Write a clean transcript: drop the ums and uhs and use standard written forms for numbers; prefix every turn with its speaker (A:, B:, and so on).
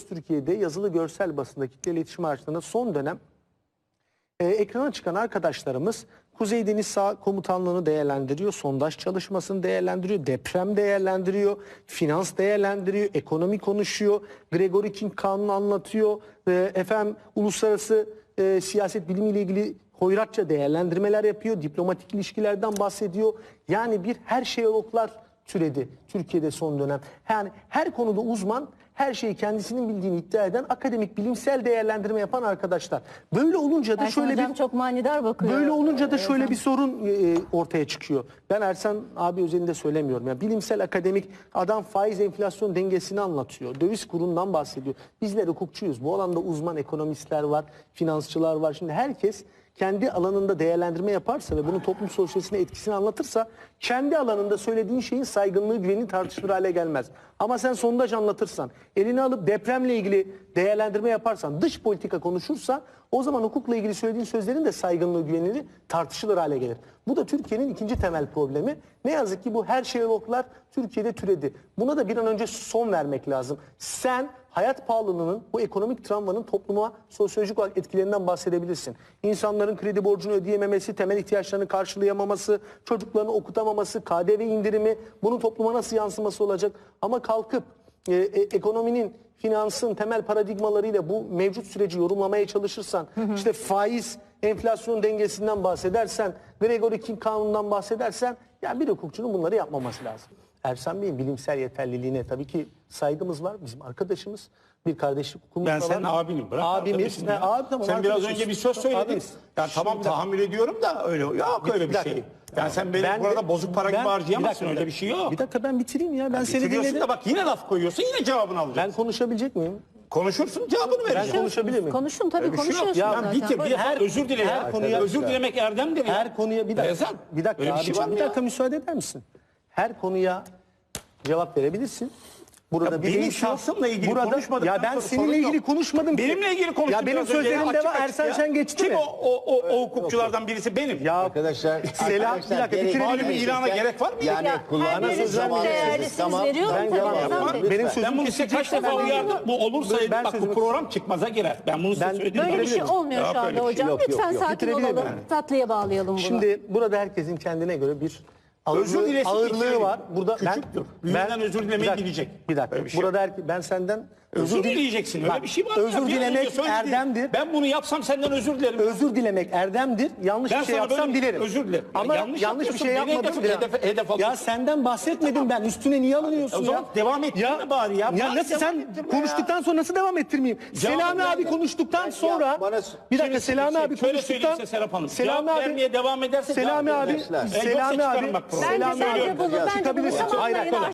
A: Türkiye'de yazılı görsel basında kitle iletişim araçlarında son dönem ekrana çıkan arkadaşlarımız Kuzey Deniz Sağ Komutanlığı'nı değerlendiriyor, sondaj çalışmasını değerlendiriyor, deprem değerlendiriyor, finans değerlendiriyor, ekonomi konuşuyor, Gregory King kanunu anlatıyor, uluslararası siyaset bilimiyle ilgili hoyratça değerlendirmeler yapıyor, diplomatik ilişkilerden bahsediyor. Yani bir her şeyologlar türedi Türkiye'de son dönem. Yani her konuda uzman, her şeyi kendisinin bildiğini iddia eden, akademik bilimsel değerlendirme yapan arkadaşlar. Böyle olunca da
B: Ersan
A: şöyle
B: hocam
A: bir
B: çok manidar bakıyor.
A: böyle olunca da şöyle bir sorun ortaya çıkıyor. Ben Ersan abi özelinde söylemiyorum. Yani bilimsel akademik adam faiz enflasyon dengesini anlatıyor. Döviz kurundan bahsediyor. Bizler hukukçuyuz. Bu alanda uzman ekonomistler var, finansçılar var. Şimdi herkes kendi alanında değerlendirme yaparsa ve bunun toplum sosyolojisine etkisini anlatırsa kendi alanında söylediğin şeyin saygınlığı, güveni tartışılır hale gelmez. Ama sen sondaj anlatırsan, elini alıp depremle ilgili değerlendirme yaparsan, dış politika konuşursa o zaman hukukla ilgili söylediğin sözlerin de saygınlığı, güveniliği tartışılır hale gelir. Bu da Türkiye'nin ikinci temel problemi. Ne yazık ki bu her şeyologlar Türkiye'de türedi. Buna da bir an önce son vermek lazım. Sen hayat pahalılığının, bu ekonomik travmanın topluma sosyolojik olarak etkilerinden bahsedebilirsin. İnsanların kredi borcunu ödeyememesi, temel ihtiyaçlarını karşılayamaması, çocuklarını okutamaması, KDV indirimi, bunun topluma nasıl yansıması olacak? Ama kalkıp ekonominin, finansın temel paradigmalarıyla bu mevcut süreci yorumlamaya çalışırsan, işte faiz, enflasyon dengesinden bahsedersen, Gregory King kanunundan bahsedersen, yani bir hukukçunun bunları yapmaması lazım. Ersan Bey'in bilimsel yeterliliğine tabii ki saygımız var. Bizim arkadaşımız, bir kardeşlik hukukumuz
C: Ben
A: da var.
C: senin abinim. Bırak
A: Abimiz. Abi, tamam,
C: sen biraz
A: arkadaşız.
C: önce bir söz söyledin.
A: Abimiz.
C: Yani tamam tahammül ediyorum da öyle yok öyle bir şey. Yani sen benim burada bozuk para gibi harcayamazsın, öyle bir şey yok.
A: Bir dakika ben bitireyim ya. Ben seni
C: Bitiriyorsun
A: dinledim.
C: da bak yine laf koyuyorsun, yine cevabını alacaksın.
A: Ben konuşabilecek miyim?
C: Konuşursun, cevabını
A: Ben
C: vereceksin.
A: konuşabilir miyim?
B: Konuşun tabii,
C: Öyle bir şey yok.
B: konuşuyorsunuz
C: Ya
B: zaten.
C: bitir, bir
B: Buyurun.
C: defa özür dile ya.
A: her konuya-
C: Özür dilemek erdemdir ya.
A: Her konuya bir dakika.
C: Ersan,
A: Bir dakika
C: öyle bir
A: abi,
C: şey var mı
A: bir
C: ya?
A: dakika müsaade eder misin? Her konuya cevap verebilirsin. Burada
C: Ya
A: bir
C: benim
A: değiş yok.
C: şahsımla ilgili konuşmadıktan
A: Ya ben
C: sonra
A: seninle
C: sorun
A: ilgili
C: yok.
A: konuşmadım ki.
C: Benimle ilgili konuştun.
A: Ya benim
C: biraz önce,
A: sözlerimde
C: açık
A: var.
C: açık
A: Ersan
C: ya.
A: sen geçti
C: Kim
A: mi?
C: o hukukçulardan birisi benim.
A: Ya
D: Arkadaşlar,
A: Selam, bir dakika, bitirelim.
C: Malum ilana gerek var mı?
D: Yani
B: Ya,
D: kulağına
B: her
D: söz
B: birisi çok
D: vermeyeceksiniz.
B: değerli, siz
D: Tamam.
B: veriyorum
A: Ben
B: tabii
A: cevap
B: Ersan
A: yapmam.
B: Bey.
A: Benim sözüm
C: Ben bunu size kaç
A: kesecekse
C: defa
A: ben
C: uyardım. Bu olursa
A: Ben
C: bak bu
A: sözümü-
C: program çıkmaza girer. Ben bunu size
A: Ben-
C: söyledim.
B: Böyle bir şey
A: Bitirebilir
B: olmuyor
C: Yok,
B: şu anda
C: öyle bir şey
B: hocam.
D: yok,
B: Lütfen
D: yok.
B: sakin
A: Bitirebilir
B: olalım.
A: miyim?
B: Tatlıya bağlayalım bunu.
A: Şimdi burada herkesin kendine göre bir
C: Özür dilesin,
A: ağırlığı
C: bitirelim.
A: var. Burada
C: Küçüktür. Büyüğünden özür dilemeyi
A: bir dakika,
C: bilecek.
A: Bir dakika.
C: Öyle bir şey
A: Burada ben senden
C: Özür dileyeceksin. Öyle
A: Bak,
C: bir şey var mı?
A: özür
C: Ya? Bir
A: dilemek
C: önce söyledin.
A: erdemdir.
C: Ben bunu yapsam senden özür dilerim.
A: Özür dilemek erdemdir. Yanlış
C: Ben
A: bir şey
C: sana
A: yapsam
C: böyle
A: dilerim.
C: özür dilerim. Ya
A: Ama
C: yanlış
A: yanlış bir şey
C: yapıyorsun, beni
A: yapmadım.
C: hedef alıyorsun.
A: Ya senden bahsetmedim ben. Üstüne niye alınıyorsun
C: O
A: ya?
C: zaman devam ettirme bari ya.
A: Ya
C: Bari
A: nasıl
C: devam
A: sen
C: ettirme
A: konuştuktan sonra nasıl devam ettirmeyeyim?
C: Cevabı
A: Selami abi
C: ver.
A: konuştuktan sonra
D: bana-
A: bir dakika Selami abi
C: Şöyle
A: konuştuktan
C: söyleyeyim size Serap Hanım.
A: Selami
C: Cevap
A: abi
C: vermeye devam ederse
A: Selami
C: cevap
A: abi
C: vermezler.
A: Selami
C: Yoksa
A: abi
C: çıkarım bak programı.
B: Bence
A: Selami abi
B: bunu
A: çıkabilirsin.
B: tamamlayın
A: Hayır,